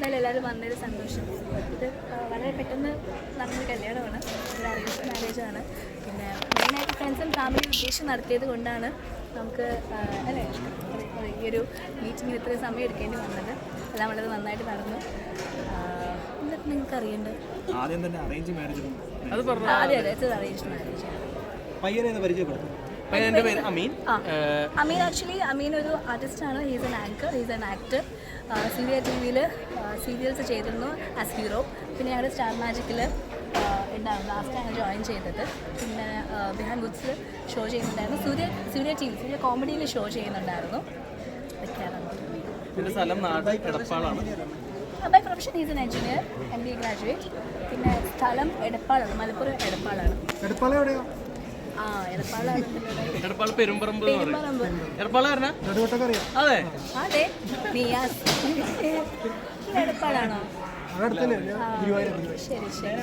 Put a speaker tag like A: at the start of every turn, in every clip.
A: എന്തായാലും എല്ലാവരും വന്നൊരു സന്തോഷം. ഇത് വളരെ പെട്ടെന്ന് നടന്നൊരു കല്യാണമാണ്, ഒരു അറേഞ്ച് മാരേജാണ്. പിന്നെ മെയിനായിട്ട് ഫ്രണ്ട്സും ഫാമിലി ഉദ്ദേശം നടത്തിയത് കൊണ്ടാണ് നമുക്ക് അല്ലേ ഈ ഒരു മീറ്റിങ്ങിന് ഇത്രയും സമയം എടുക്കേണ്ടി വന്നത്. എല്ലാം വളരെ നന്നായിട്ട് നടന്നു. എന്നിട്ട് നിങ്ങൾക്ക് അറിയേണ്ടത്
B: ആദ്യം തന്നെ അറേഞ്ച് മാരേജ്
A: അതെ അറേഞ്ച് മാരേജാണ്.
B: പയ്യനെ പരിചയപ്പെടുത്തും.
A: അമീൻ ആക്ച്വലി അമീൻ ഒരു ആർട്ടിസ്റ്റാണ്. He's an anchor, he's an actor. Serial T വിയിൽ സീരിയൽസ് ചെയ്തിരുന്നു ആസ് ഹീറോ. പിന്നെ ഞങ്ങളുടെ സ്റ്റാർ മാജിക്കിൽ ഉണ്ടായിരുന്നു, ലാസ്റ്റാണ് ജോയിൻ ചെയ്തത്. പിന്നെ ബിഹാൻ ഗുഡ്സിൽ ഷോ ചെയ്യുന്നുണ്ടായിരുന്നു. സൂര്യ ടി വി സൂര്യ കോമഡിയിൽ ഷോ ചെയ്യുന്നുണ്ടായിരുന്നു. By profession he's an engineer, MBA graduate. പിന്നെ സ്ഥലം എടപ്പാളാണ്, മലപ്പുറം എടപ്പാളാണ്. അതെ നിയാസ് എടപ്പാളാണോ? ശരി ശരി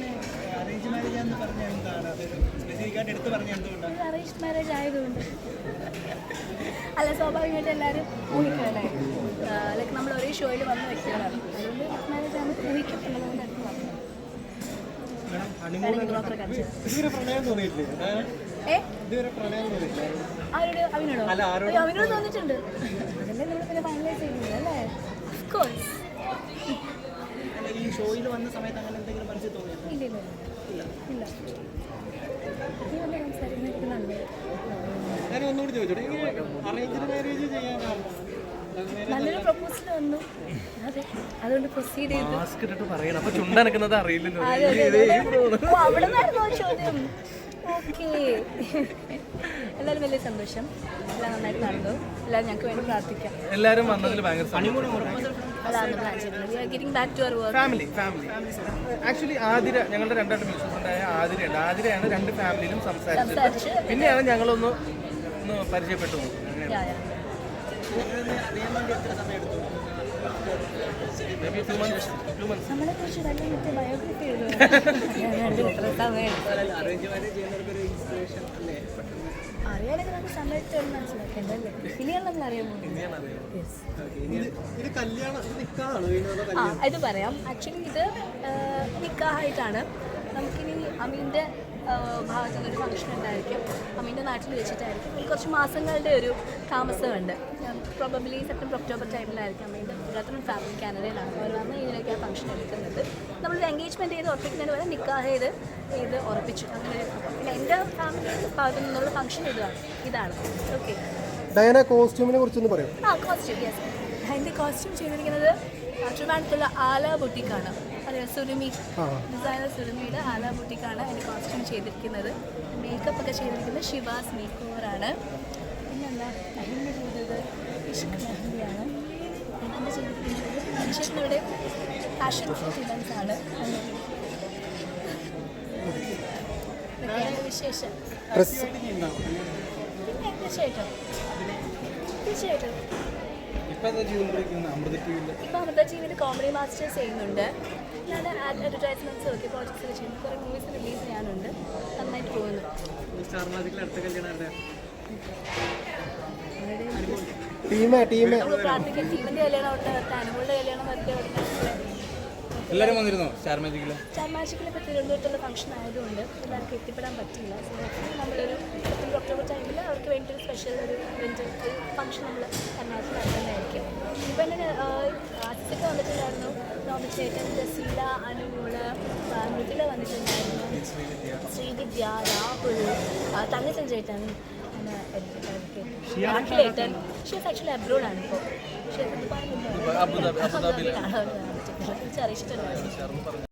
A: അറേഞ്ച് മാരേജ് ആയതുകൊണ്ട് അല്ല, സ്വാഭാവികമായിട്ട് എല്ലാവരും ഊഹിക്കല്ലേ. ലൈക്ക് നമ്മൾ ഒരേ ഷോയിൽ വന്ന വ്യക്തികളാണ്, അതുകൊണ്ട് മാരേജ് ആണ് ഊഹിക്കും എന്നുള്ളതുകൊണ്ട് അടുത്ത് പറഞ്ഞു. അവനോട് തോന്നിയിട്ടുണ്ട്, അതല്ലേ നമ്മൾ പിന്നെ ഫൈനലൈസ് ചെയ്യുന്നത് അല്ലേ. ഓഫ്കോഴ്സ്. ഇല്ല നല്ലൊരു പ്രപ്പോസൽ വന്നു, അതെ അതുകൊണ്ട് പ്രൊസീഡ് ചെയ്തു. അവിടെ നിന്നായിരുന്നു ചോദ്യം. ഓക്കെ, എല്ലാവരും വലിയ സന്തോഷം, എല്ലാം നന്നായിട്ട് നടന്നു. എല്ലാവരും ഞങ്ങൾക്ക് വേണ്ടി പ്രാർത്ഥിക്കാം.
C: എല്ലാവരും വന്നതിൽ ഭയങ്കര ഫാമിലി ആക്ച്വലി ആതിര, ഞങ്ങളുടെ രണ്ടായിട്ട് മ്യൂസിക്കുണ്ടായ ആതിരയുണ്ട്. ആതിരയാണ് രണ്ട് ഫാമിലിയിലും സംസാരിച്ചത്. പിന്നെയാണ് ഞങ്ങളൊന്ന് പരിചയപ്പെട്ടു.
A: നമ്മളെ കുറിച്ച് ബയോഗ്രഫി എഴുതുക. അറിയാനൊക്കെ നമുക്ക് സമയത്ത് മനസ്സിലാക്കേണ്ടല്ലേ, ഇനിയാണ് നമ്മൾ അറിയാൻ പോകുന്നത്. ഇത് പറയാം. ആക്ച്വലി ഇത് നിക്കാഹായിട്ടാണ്. നമുക്കിനി അമീൻ്റെ ഭാഗത്തു നിന്നൊരു ഫംഗ്ഷൻ ഉണ്ടായിരിക്കും, അമീൻ്റെ നാട്ടിൽ വെച്ചിട്ടായിരിക്കും. ഒരു കുറച്ച് മാസങ്ങളുടെ ഒരു താമസമുണ്ട്. പ്രോബബ്ലി സെപ്റ്റംബർ ഒക്ടോബർ ടൈമിലായിരിക്കും അമീൻ്റെ ബ്രദറും ഫാമിലി കാനഡയിലാണ്. അവർ വന്ന് ഇതിനൊക്കെ ആ ഫംഗ്ഷൻ എടുക്കുന്നത്. നമ്മളൊരു എൻഗേജ്മെൻറ്റ് ചെയ്ത് ഉറപ്പിക്കുന്നതിന് വരെ നിക്കാഹ് ചെയ്ത് ഉറപ്പിച്ചു. അങ്ങനെ പിന്നെ എൻ്റെ ഫാമിലി ഭാഗത്തു നിന്നുള്ള ഫംഗ്ഷൻ ഇതാണ്. ഓക്കെ,
D: ഡയന കോസ്റ്റ്യൂമിനെ കുറിച്ചൊന്ന് പറയും.
A: കോസ്റ്റ്യൂം യെസ്, എൻ്റെ കോസ്റ്റ്യൂം ചെയ്തിരിക്കുന്നത് ട്രിവാൻഡ്രത്തുള്ള ആല ബുട്ടിക്കാണ്. അറിയാം, സുരുമി ഡിസൈനർ സുരുമിയുടെ ആല ബുട്ടിക്കാണ് എൻ്റെ കോസ്റ്റ്യൂം ചെയ്തിരിക്കുന്നത്. മേക്കപ്പ് ഒക്കെ ചെയ്തിരിക്കുന്നത് ഷിവാസ് മേക്ക് ഓവറാണ്. പിന്നെന്താ മെഹന്തി ചെയ്തത് ഇഷ്ക് മെഹന്തിയാണ്. മെഹന്തി ചെയ്തിരിക്കുന്നത് മനുഷ്യരുടെ ഫാഷൻ ഇവൻസ് ആണ്. വിശേഷം പിന്നെ തീർച്ചയായിട്ടും ഇപ്പം അമൃത ടിവിയിൽ കോമഡി മാസ്റ്റേഴ്സ് ചെയ്യുന്നുണ്ട്. ഞാൻ അഡ്വർടൈസ്മെൻറ്റ്സ് ഒക്കെ പ്രോജക്ട്സ് ചെയ്യുന്നു. കുറേ മൂവീസ് റിലീസ് ചെയ്യാനുണ്ട്. നന്നായിട്ട് പോകുന്നു. നമ്മൾ പ്രാർത്ഥിക്കാം ടീമിൻ്റെ കല്യാണം ഉണ്ട്, അനുമോളുടെ കല്യാണം വരട്ടെ.
C: എല്ലാവരും വന്നിരുന്നോ സ്റ്റാർ മാജിക്കിൽ?
A: സ്റ്റാർ മാജിക്കിൽ ഇപ്പോൾ തിരുവനന്തപുരത്തുള്ള ഫംഗ്ഷൻ ആയതുകൊണ്ട് എല്ലാവർക്കും എത്തിപ്പെടാൻ പറ്റില്ല. സോ നമ്മളൊരു സെപ്റ്റംബർ ഒക്ടോബർ ടൈമിൽ അവർക്ക് വേണ്ടി ഒരു സ്പെഷ്യൽ ഒരു ഫംഗ്ഷൻ നമ്മൾ എറണാകുളത്ത് നടത്തുന്നതായിരിക്കും. ഇപ്പോൾ എൻ്റെ ആർട്ടിസ്റ്റൊക്കെ വന്നിട്ടുണ്ടായിരുന്നു. നോബി ചേട്ടൻ, ജസീല, അനുമോള്, മൃദുല വന്നിട്ടുണ്ടായിരുന്നു, ശ്രീവിദ്യ, രാഹുൽ, തങ്കച്ചൻ ചേട്ടൻ, േട്ടൻ. ഷീസ് ആക്ച്വലി അബ്രോഡാണ് ഇപ്പോൾ. ഷീസ് അബുദാബിയിലാണ്. അറിയിച്ചിട്ടുണ്ടായിരുന്നു.